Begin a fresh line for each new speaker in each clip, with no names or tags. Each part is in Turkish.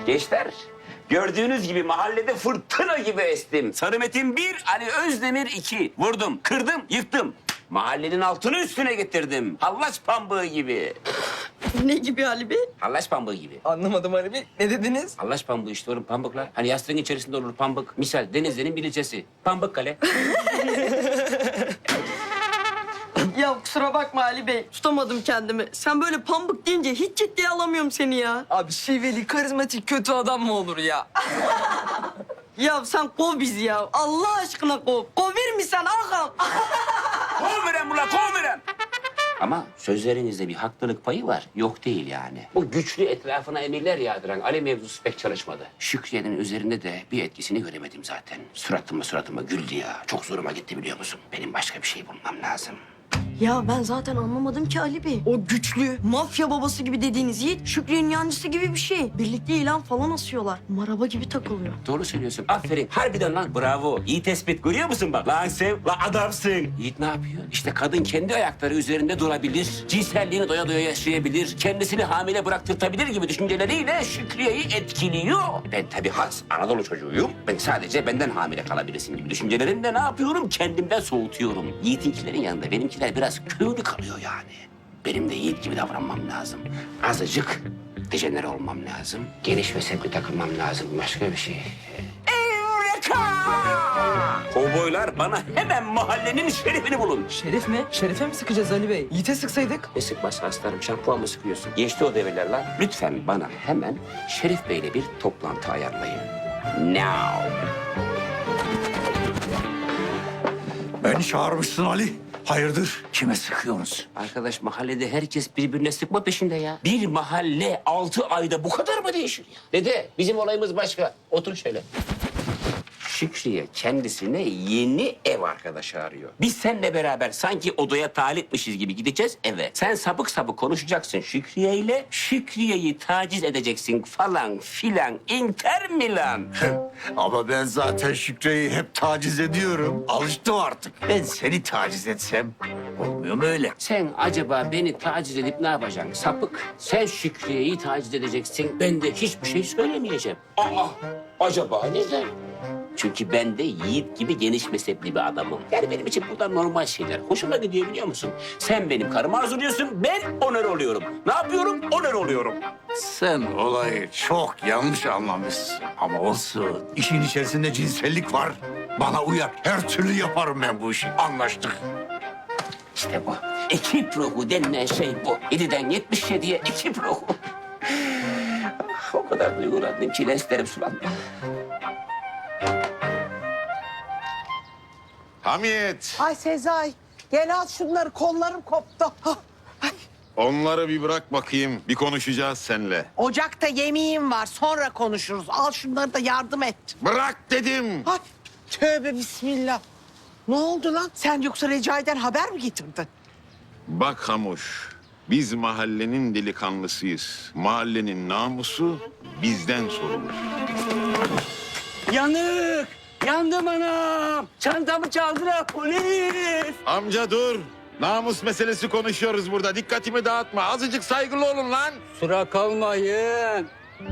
Gençler, gördüğünüz gibi mahallede fırtına gibi estim. Sarı Metin 1, Ali Özdemir 2. Vurdum, kırdım, yıktım. Mahallenin altını üstüne getirdim. Hallaç pambığı gibi.
Ne gibi Ali Bey?
Hallaç pambığı gibi.
Anlamadım Ali Bey. Ne dediniz?
Hallaç pambığı işte oğlum, pambıklar. Hani yastığın içerisinde olur pambık. Misal Denizli'nin bir ilçesi. Pambıkkale.
Ya kusura bakma Ali Bey. Tutamadım kendimi. Sen böyle pambık deyince hiç ciddiye alamıyorum seni ya.
Abi şiveli, karizmatik, kötü adam mı olur ya?
Ya sen kov bizi ya. Allah aşkına kov. Kovir mi sen ağam?
Kovmeren ulan, kovmeren! Ama sözlerinizde bir haklılık payı var. Yok değil yani. Bu güçlü etrafına emirler yağdıran Ali mevzusu pek çalışmadı. Şükriye'nin üzerinde de bir etkisini göremedim zaten. Suratıma güldü ya. Çok zoruma gitti biliyor musun? Benim başka bir şey bulmam lazım.
Ya ben zaten anlamadım ki Ali Bey. O güçlü, mafya babası gibi dediğiniz Yiğit, Şükrü'nün yancısı gibi bir şey. Birlikte ilan falan asıyorlar. Maraba gibi takılıyor.
Doğru söylüyorsun. Aferin. Harbiden lan bravo. İyi tespit. Görüyor musun bak? Lan sen, lan adamsın. Yiğit ne yapıyor? İşte kadın kendi ayakları üzerinde durabilir. Cinselliğini doya doya yaşayabilir. Kendisini hamile bıraktırtabilir gibi düşünceleriyle Şükriye'yi etkiliyor. Ben tabii has Anadolu çocuğuyum. Ben sadece benden hamile kalabilirsin gibi düşüncelerimle ne yapıyorum? Kendimden soğutuyorum. Yiğit'inkilerin yanında benimkiler biraz köylü kalıyor yani. Benim de Yiğit gibi davranmam lazım. Azıcık dejenere olmam lazım. Geniş ve sevgi takılmam lazım. Başka bir şey. Eureka! Kovboylar bana hemen mahallenin şerifini bulun.
Şerif mi? Şerife mi sıkacağız Ali Bey? Yiğit'e sıksaydık.
Ne sıkmaz aslanım, şampuan mı sıkıyorsun? Geçti o devirler lan. Lütfen bana hemen Şerif Bey'le bir toplantı ayarlayın. Now.
Beni çağırmışsın Ali. Hayırdır? Kime sıkıyorsunuz?
Arkadaş mahallede herkes birbirine sıkma peşinde ya. Bir mahalle 6 ayda bu kadar mı değişir ya? Dede bizim olayımız başka. Otur şöyle. Şükriye kendisine yeni ev arkadaşı arıyor. Biz seninle beraber sanki odaya talipmişiz gibi gideceğiz eve. Sen sapık sapık konuşacaksın Şükriye ile. Şükriye'yi taciz edeceksin falan filan. Inter Milan.
Ama ben zaten Şükrü'yü hep taciz ediyorum. Alıştım artık. Ben seni taciz etsem olmuyor mu öyle?
Sen acaba beni taciz edip ne yapacaksın sapık? Sen Şükriye'yi taciz edeceksin. Ben de hiçbir şey söylemeyeceğim. Aa, acaba neden? Çünkü ben de Yiğit gibi geniş mezhepli bir adamım. Yani benim için bunlar normal şeyler. Hoşuma gidiyor biliyor musun? Sen benim karımı arzuluyorsun, ben onur oluyorum. Ne yapıyorum? Onur oluyorum.
Sen olayı çok yanlış anlamışsın. Ama olsun. İşin içerisinde cinsellik var. Bana uyar. Her türlü yaparım ben bu işi. Anlaştık.
İşte bu. Ekip ruhu denilen şey bu. 7'den 77'ye ekip ruhu. O kadar duygulandım ki lenslerim sulandı.
Hamiyet,
Ay Sezai, gel al şunları, kollarım koptu. Hah, ay.
onları bir bırak bakayım. Bir konuşacağız seninle.
Ocakta yemeğim var, sonra konuşuruz. Al şunları da yardım et.
Bırak dedim.
Ay, tövbe bismillah. Ne oldu lan? Sen yoksa Recai'den haber mi getirdin?
Bak Hamuş, biz mahallenin delikanlısıyız. Mahallenin namusu bizden sorulur.
Yanık! Yandım anam! Çantamı çaldılar polis!
Amca dur. Namus meselesi konuşuyoruz burada. Dikkatimi dağıtma. Azıcık saygılı olun lan.
Sıra kalmayın.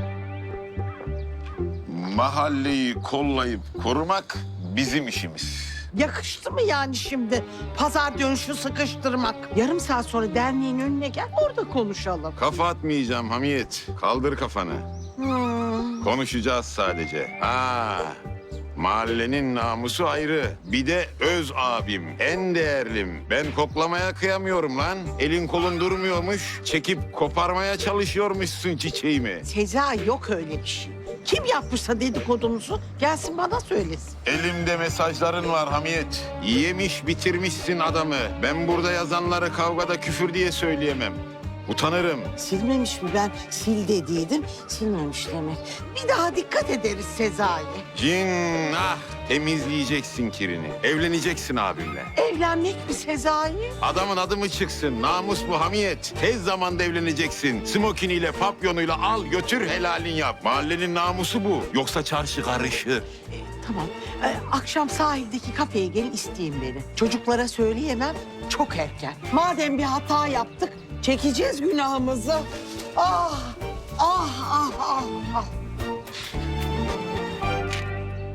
Mahalleyi kollayıp korumak bizim işimiz.
Yakıştı mı yani şimdi pazar dönüşü sıkıştırmak? Yarım saat sonra derneğin önüne gel, orada konuşalım.
Kafa atmayacağım Hamiyet. Kaldır kafanı. Konuşacağız sadece. Ha, mahallenin namusu ayrı. Bir de öz abim, en değerlim. Ben koklamaya kıyamıyorum lan. Elin kolun durmuyormuş. Çekip koparmaya çalışıyormuşsun çiçeğimi.
Sezai, yok öyle bir şey. Kim yapmışsa dedikodumuzu gelsin bana söylesin.
Elimde mesajların var Hamiyet. Yemiş bitirmişsin adamı. Ben burada yazanları kavgada küfür diye söyleyemem. Utanırım.
Silmemiş mi? Ben sil dediydim, silmemiş demek. Bir daha dikkat ederiz Sezai.
Cin ah temizleyeceksin kirini. Evleneceksin abimle.
Evlenmek mi Sezai?
Adamın adı mı çıksın? Namus bu Hamiyet. Tez zamanda evleneceksin. Smokiniyle, papyonuyla al götür helalin yap. Mahallenin namusu bu. Yoksa çarşı karışır.
Tamam. Akşam sahildeki kafeye gelin, isteyin beni. Çocuklara söyleyemem, çok erken. Madem bir hata yaptık, çekeceğiz günahımızı. Ah, ah, ah, ah, ah.